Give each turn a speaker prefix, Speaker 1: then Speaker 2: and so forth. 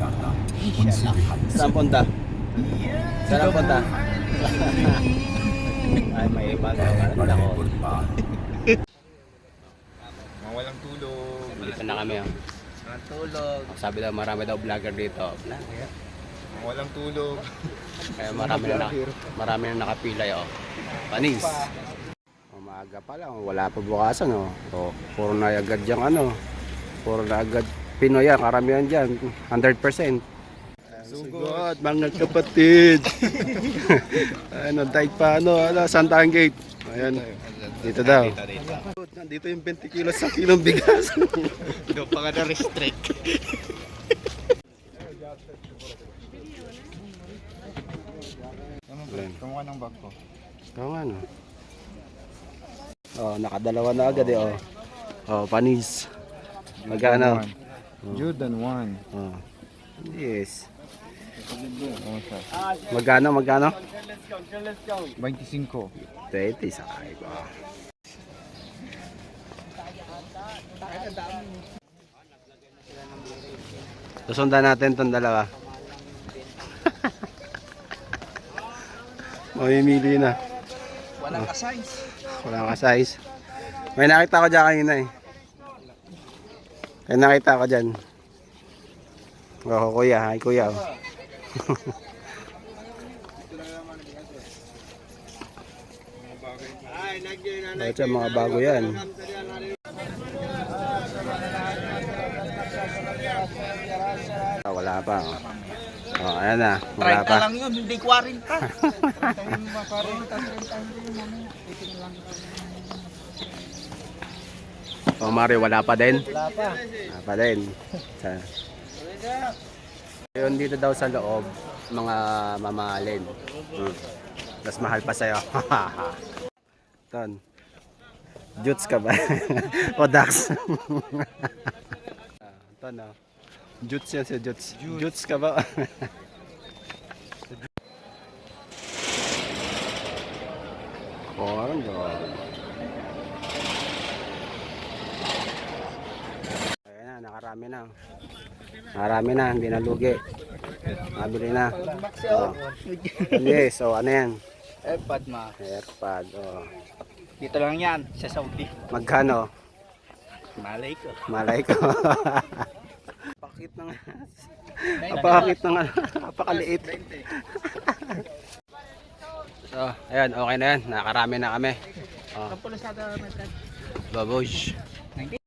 Speaker 1: Saan punta? Saan punta? Ay, may iba na ako.
Speaker 2: Walang tulog.
Speaker 1: Dito na kami. Oh.
Speaker 2: Walang tulog.
Speaker 1: Sabi daw marami daw vlogger dito.
Speaker 2: Walang tulog.
Speaker 1: Kaya marami na nakapila. Oh. Panis. Umaga pa lang. Wala pa bukasan. Oh. So, puro na agad yung ano. Puro na agad Pinoy yan. Karamihan dyan. 100%. Sugod mga kapatid. Ano, dahil pa ano, Santahan Gate. Ayan. Dito daw. Nandito yung 20 kilos sa kilong bigas.
Speaker 2: Doon pa nga na-restrict. Kamuha ng bag ko.
Speaker 1: Oo nga no. Oh, nakadalawa na agad eh. Oh, oh panis. Magkano?
Speaker 2: Jordan 1.
Speaker 1: Oh. Yes. Magkano?
Speaker 2: 25.
Speaker 1: 20 sakay ko. Susundan natin itong dalawa. Mamimili na.
Speaker 2: Walang ka-size.
Speaker 1: Walang ka-size. May nakita ko dyan kanina eh. May nakita ko dyan. Oh, kuya. Hi kuya. Ito mga bago yan. Wala pa. Oh, ayan na. Wala
Speaker 2: 30
Speaker 1: pa.
Speaker 2: lang yun, hindi 40.
Speaker 1: Oh, Mario, wala pa din?
Speaker 2: Wala pa.
Speaker 1: Wala pa din. Yun dito daw sa loob, mga mamahalin. Mas mahal pa sa'yo. Ton. Jutes ka ba? O Dax? Ton, no? Jutes yan si Jutes. Jutes ka ba? Parang doon. Ayan na, nakarami na. Nakarami na, hindi na lugi. Nabili na. Oh. Yes, so ano yan?
Speaker 2: Airpad ma.
Speaker 1: Airpad, oh.
Speaker 2: Dito lang yan, sa Saudi.
Speaker 1: Magkano?
Speaker 2: Malay ko.
Speaker 1: Malay ko. Pakit na nga. Apakit na nga. Apakaliit. So, ayan, okay na yan. Nakarami na kami. Oh. Babush.